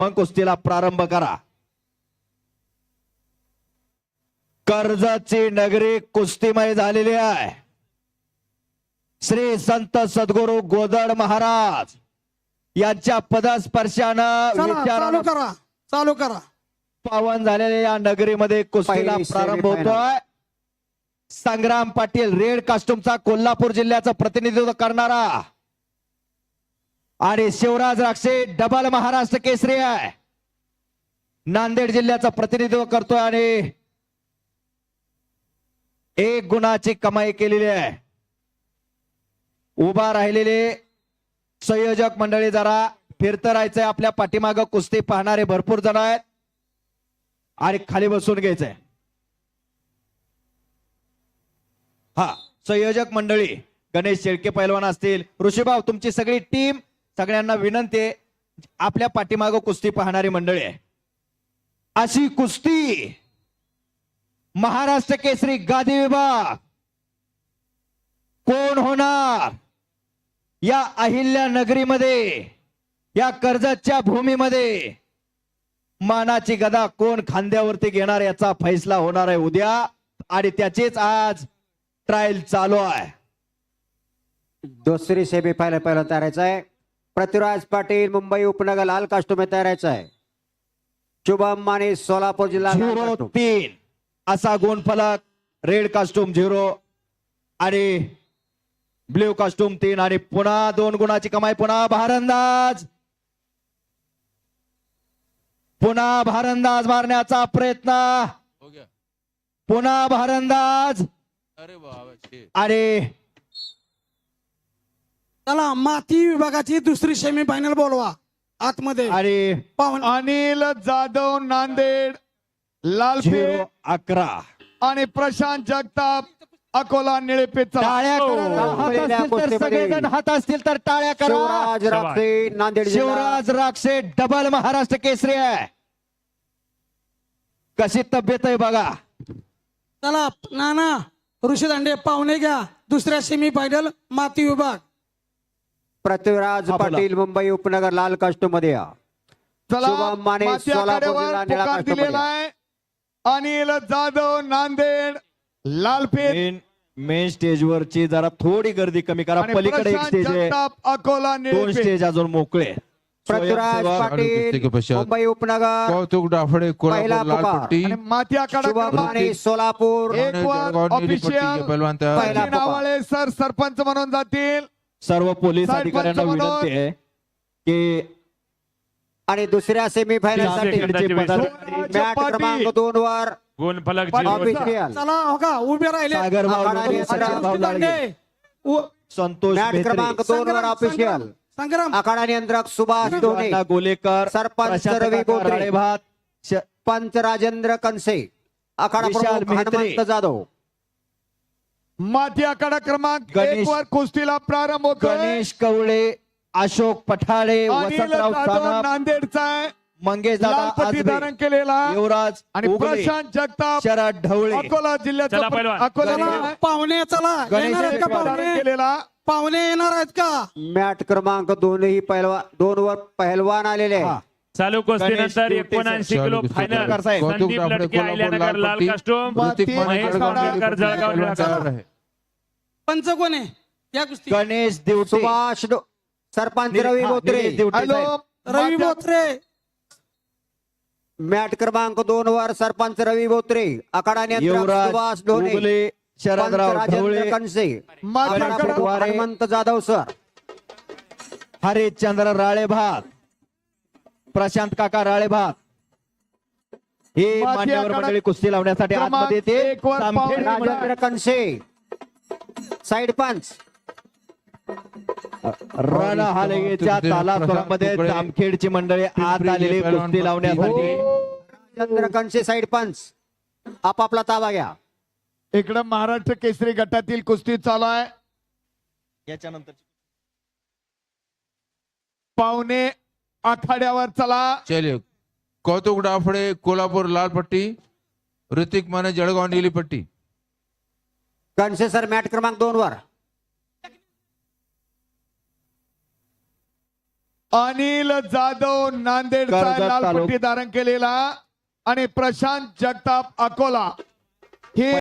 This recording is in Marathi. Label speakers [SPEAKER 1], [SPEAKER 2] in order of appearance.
[SPEAKER 1] मग कुस्तीला प्रारंभ करा. कर्जतची नगरी कुस्तीमय झालेली आहे. श्री संत सद्गुरू गोदड महाराज यांच्या पदस्पर्शानं
[SPEAKER 2] चालू करा चालू करा.
[SPEAKER 1] पावन झालेल्या या नगरीमध्ये कुस्तीला
[SPEAKER 3] पहिली
[SPEAKER 1] प्रारंभ
[SPEAKER 3] semi-final.
[SPEAKER 1] होतोय. संग्राम पाटील रेड कास्टूमचा कोल्हापूर जिल्ह्याचं प्रतिनिधित्व करणारा आणि शिवराज राक्षे डबल महाराष्ट्र केसरी आहे. नांदेड जिल्ह्याचं प्रतिनिधित्व करतोय आणि 1 गुणाची कमाई केलेली आहे. उभा राहिलेले संयोजक मंडळी जरा फिरतं राहायचंय. आपल्या पाठीमागं कुस्ती पाहणारे भरपूर जण आहेत आणि खाली बसून घ्यायचंय. हा संयोजक मंडळी गणेश शेळके पैलवान असतील, ऋषीभाऊ तुमची सगळी टीम, सगळ्यांना विनंती आहे आपल्या पाठीमागं कुस्ती पाहणारी मंडळी आहे. अशी कुस्ती महाराष्ट्र केसरी गादी विभाग कोण होणार या अहिल्या नगरीमध्ये, या कर्जतच्या भूमीमध्ये मानाची गदा कोण खांद्यावरती घेणार याचा फैसला होणार आहे उद्या आणि त्याचीच आज ट्रायल चालू आहे.
[SPEAKER 3] दुसरी सेमीफायनल पहिला तयारायचा आहे. पृथ्वीराज पाटील मुंबई उपनगर लाल कास्टूम में तयारायचा आहे. शुभम माने सोलापूर जिल्हा लाल
[SPEAKER 1] 0-3 असा गुणफलक. रेड कास्टूम 0 आणि ब्ल्यू कास्टूम 3 आणि पुन्हा 2 गुणाची कमाई. पुन्हा भारंदाज, पुन्हा भारंदाज मारण्याचा प्रयत्न, पुन्हा भारंदाज. आणि
[SPEAKER 2] चला माती विभागाची दुसरी सेमीफायनल बोलवा आतमध्ये.
[SPEAKER 1] आणि
[SPEAKER 2] पावन
[SPEAKER 4] अनिल जाधव नांदेड लालपेठ
[SPEAKER 1] 0-11
[SPEAKER 4] आणि प्रशांत जगताप अकोला निळेपेठ.
[SPEAKER 1] टाळ्या करा. हात असतील तर सगळेजण हात असतील तर टाळ्या करा.
[SPEAKER 3] शिवराज राक्षे नांदेड जिल्हा.
[SPEAKER 1] शिवराज राक्षे डबल महाराष्ट्र केसरी आहे. कशी तब्येत आहे बघा.
[SPEAKER 2] चला नाना ऋषी दांडे पाहुणे घ्या. दुसऱ्या सेमीफायनल माती विभाग.
[SPEAKER 3] पृथ्वीराज
[SPEAKER 1] हा, बोला.
[SPEAKER 3] पाटील मुंबई उपनगर लाल कास्टूम मध्ये या.
[SPEAKER 4] चला
[SPEAKER 3] शुभम माने
[SPEAKER 4] माती
[SPEAKER 3] सोलापूर
[SPEAKER 4] आखाड्यावर
[SPEAKER 3] जिल्हा निळा
[SPEAKER 4] पुकार
[SPEAKER 3] कास्टूम
[SPEAKER 4] दिलेला
[SPEAKER 3] मध्ये.
[SPEAKER 4] आहे. अनिल जाधव नांदेड लालपेठ
[SPEAKER 1] मेन स्टेजवरची जरा थोडी गर्दी कमी करा.
[SPEAKER 4] आणि
[SPEAKER 1] पलीकडे एक
[SPEAKER 4] प्रशांत
[SPEAKER 1] स्टेज आहे,
[SPEAKER 4] जगताप अकोला
[SPEAKER 1] 2
[SPEAKER 4] निळेपेठ.
[SPEAKER 1] स्टेज अजून मोकळे.
[SPEAKER 3] पृथ्वीराज
[SPEAKER 1] स्वयंसेवक
[SPEAKER 3] पाटील
[SPEAKER 5] के पश्चात
[SPEAKER 3] मुंबई उपनगर
[SPEAKER 5] कौतुक डाफडे
[SPEAKER 3] पहिला
[SPEAKER 5] कोल्हापूर लाल
[SPEAKER 3] पुकार.
[SPEAKER 5] पट्टी
[SPEAKER 4] आणि माती आखाडा
[SPEAKER 3] शुभम
[SPEAKER 4] क्रमांक
[SPEAKER 3] माने सोलापूर.
[SPEAKER 4] एक वर
[SPEAKER 5] जळगाव नीली पट्टी
[SPEAKER 4] ऑफिशियल
[SPEAKER 5] के पहलवान तयार आहे.
[SPEAKER 3] पहिला
[SPEAKER 4] सचिन आवाळे सर सरपंच म्हणून जातील.
[SPEAKER 1] सर्व पोलीस
[SPEAKER 4] साहेब
[SPEAKER 1] अधिकाऱ्यांना
[SPEAKER 4] पंच म्हणून.
[SPEAKER 1] विनंती आहे की
[SPEAKER 3] आणि दुसऱ्या सेमीफायनल साठी
[SPEAKER 1] सेकंदाची पदाधिकारी
[SPEAKER 3] मॅट क्रमांक 2 वर
[SPEAKER 6] गुणफलक
[SPEAKER 3] ऑफिशियल
[SPEAKER 2] चला हो का उभे राहिले.
[SPEAKER 1] सागर भाऊ
[SPEAKER 3] आखाडा
[SPEAKER 1] लोणी,
[SPEAKER 3] आणि
[SPEAKER 1] सचिन भाऊ
[SPEAKER 2] ऋषी
[SPEAKER 1] लाडगे,
[SPEAKER 2] दांडे उ-
[SPEAKER 1] संतोष
[SPEAKER 3] मॅट
[SPEAKER 1] मेहत्रे,
[SPEAKER 3] क्रमांक 2 वर ऑफिशियल
[SPEAKER 2] संग्राम
[SPEAKER 3] आखाडा नियंत्रक सुभाष दोने.
[SPEAKER 1] अण्णा गोलेकर,
[SPEAKER 3] सरपंच
[SPEAKER 1] प्रशांत
[SPEAKER 3] रवी
[SPEAKER 1] काका
[SPEAKER 3] बोत्रे.
[SPEAKER 1] राळेभात,
[SPEAKER 3] पंच राजेंद्र कनसे. आखाडा
[SPEAKER 1] विशाल
[SPEAKER 3] प्रमुख
[SPEAKER 1] मेहत्रे.
[SPEAKER 3] हनुमंत जाधव.
[SPEAKER 4] माती आखाडा क्रमांक
[SPEAKER 1] गणेश-
[SPEAKER 4] 1 वर कुस्तीला प्रारंभ होतोय.
[SPEAKER 1] गणेश कवळे, अशोक पठाळे,
[SPEAKER 4] अनिल
[SPEAKER 1] वसंतराव
[SPEAKER 4] जाधव
[SPEAKER 1] सानप,
[SPEAKER 4] नांदेडचा आहे.
[SPEAKER 1] मंगेश
[SPEAKER 4] लाल
[SPEAKER 1] दादा
[SPEAKER 4] पट्टी
[SPEAKER 1] आजबे,
[SPEAKER 4] धारण केलेला
[SPEAKER 1] युवराज
[SPEAKER 4] आणि
[SPEAKER 1] उगले,
[SPEAKER 4] प्रशांत जगताप
[SPEAKER 1] शरद ढवळे,
[SPEAKER 4] अकोला जिल्ह्याचा
[SPEAKER 6] चला पहिलवान.
[SPEAKER 4] अकोला
[SPEAKER 2] चला
[SPEAKER 4] जिल्हा
[SPEAKER 2] पाहुणे चला
[SPEAKER 1] गणेश
[SPEAKER 2] येणार आहेत का
[SPEAKER 1] शेळके
[SPEAKER 4] धारण
[SPEAKER 2] पाहुणे?
[SPEAKER 4] केलेला.
[SPEAKER 2] पाहुणे येणार आहेत का?
[SPEAKER 3] मॅट क्रमांक 2 ही पहिलवान 2 वर पहिलवान आलेले
[SPEAKER 1] हा.
[SPEAKER 3] आहे.
[SPEAKER 6] चालू कुस्ती
[SPEAKER 1] गणेश
[SPEAKER 6] नंतर
[SPEAKER 1] दिवटे
[SPEAKER 6] 79 किलो
[SPEAKER 5] चालू कुस्ती
[SPEAKER 6] फायनल
[SPEAKER 1] प्रकार साहेब.
[SPEAKER 5] कौतुक
[SPEAKER 6] संदीप
[SPEAKER 5] डाफडे
[SPEAKER 6] लटके
[SPEAKER 5] कोल्हापूर
[SPEAKER 6] अहिल्यानगर
[SPEAKER 5] लाल
[SPEAKER 6] लाल
[SPEAKER 5] पट्टी.
[SPEAKER 6] कास्टूम
[SPEAKER 5] ऋतिक
[SPEAKER 4] महेश
[SPEAKER 5] माने जळगाव
[SPEAKER 6] कांबळेकर,
[SPEAKER 5] नीली पट्टी
[SPEAKER 6] जळगाव
[SPEAKER 5] पहलवान
[SPEAKER 6] निळा
[SPEAKER 5] तयार आहे.
[SPEAKER 2] पंच कोण आहे या कुस्ती?
[SPEAKER 1] गणेश दिवटे,
[SPEAKER 3] सुभाष सरपंच रवी
[SPEAKER 1] हा,
[SPEAKER 3] बोत्रे.
[SPEAKER 1] निलेश दिवटे
[SPEAKER 4] हॅलो
[SPEAKER 1] साहेब.
[SPEAKER 2] रवी
[SPEAKER 4] माती-
[SPEAKER 2] बोत्रे
[SPEAKER 3] मॅट क्रमांक 2 वर सरपंच रवी बोत्रे. आखाडा नियंत्रक
[SPEAKER 1] युवराज
[SPEAKER 3] सुभाष दोने.
[SPEAKER 1] उगले,
[SPEAKER 3] पंच
[SPEAKER 1] शरदराव
[SPEAKER 3] राजेंद्र
[SPEAKER 1] ढवळे,
[SPEAKER 3] कनसे.
[SPEAKER 4] माती
[SPEAKER 3] आखाडा
[SPEAKER 4] आखाडा
[SPEAKER 3] प्रमुख
[SPEAKER 1] वारे.
[SPEAKER 3] हनुमंत जाधव सर.
[SPEAKER 1] हरिश्चंद्र राळेभात, प्रशांत काका राळेभात हे
[SPEAKER 4] माती
[SPEAKER 1] मान्यवर
[SPEAKER 4] आखाडा
[SPEAKER 1] मंडळी कुस्ती लावण्यासाठी
[SPEAKER 4] क्रमांक
[SPEAKER 1] आतमध्ये येते.
[SPEAKER 4] 1 वर
[SPEAKER 1] जामखेड
[SPEAKER 4] पाहुणे
[SPEAKER 3] राजेंद्र कनसे साइड पंच.
[SPEAKER 1] रण हालगेच्या तालासोरामध्ये जामखेडची मंडळी आत आलेली कुस्ती लावण्यासाठी.
[SPEAKER 3] राजेंद्र कनसे साइड पंच. आपापला ताबा घ्या.
[SPEAKER 4] इकडं महाराष्ट्र केसरी गटातील कुस्ती चालू आहे.
[SPEAKER 1] याच्यानंतर
[SPEAKER 4] पाहुणे आखाड्यावर चला.
[SPEAKER 5] चलिए कौतुक डाफडे कोल्हापूर लाल पट्टी, ऋतिक माने जळगाव नीली पट्टी.
[SPEAKER 3] कनसे सर मॅट क्रमांक 2 वर.
[SPEAKER 4] अनिल जाधव नांदेडचा
[SPEAKER 1] कर्जत
[SPEAKER 4] लाल
[SPEAKER 1] तालुका.
[SPEAKER 4] पट्टी धारण केलेला आणि प्रशांत जगताप अकोला हे